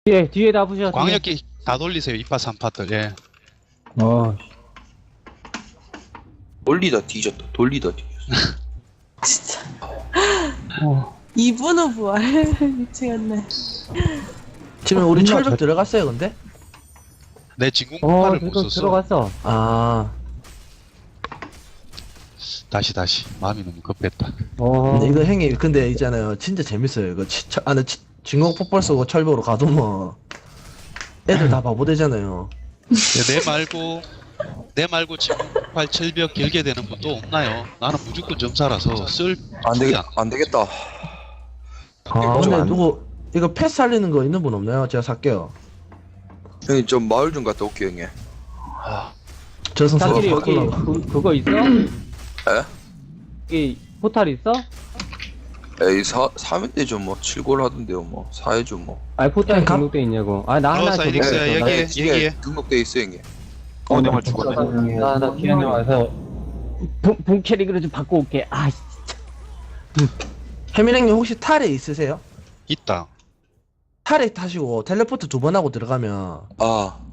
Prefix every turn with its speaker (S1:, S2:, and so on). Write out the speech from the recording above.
S1: 뒤에 다 부셔.
S2: 광역기 다 돌리세요. 2파 3파들. 예.
S3: 돌리다 뒤졌다. 돌리다 뒤졌어.
S4: 진짜. 이분은 부활. 미치겠네.
S5: 지금 우리 철벽 들어갔어요 근데?
S2: 내 진공파를 못
S1: 지금
S2: 썼어.
S1: 들어갔어.
S5: 아
S2: 다시. 마음이 너무 급했다.
S5: 근데 이거 형님 근데 있잖아요 진짜 재밌어요 이거 안에 진공 폭발 쏘고 철벽으로 가두면 애들 다 바보 되잖아요.
S2: 내 말고 진공팔 철벽 길게 되는 분도 없나요? 나는 무조건 점사라서 쓸
S3: 안 되겠다.
S5: 근데 누구 이거 패스 살리는 거 있는 분 없나요? 제가 살게요.
S3: 형님 좀 마을 좀 갔다 올게요 형님.
S5: 저승사가
S1: 자길이 여기
S5: 바꾸려고.
S1: 그거 있어? 여기 포탈 있어?
S3: 에이 3회 때죠 뭐 7골 하던데요 뭐 4회죠 뭐.
S1: 아니 포탈
S5: 그냥
S1: 등록돼 있냐고. 아 나 하나
S2: 사이닉스야,
S1: 등록돼 있어.
S2: 얘기해.
S3: 등록돼 있어 형님.
S6: 내말 죽었네.
S1: 나 기현이 와서 본 캐릭으로 좀 바꿔 올게. 아
S5: 해민행님 혹시 탈에 있으세요?
S2: 있다.
S5: 탈에 타시고 텔레포트 2번 하고 들어가면
S3: 아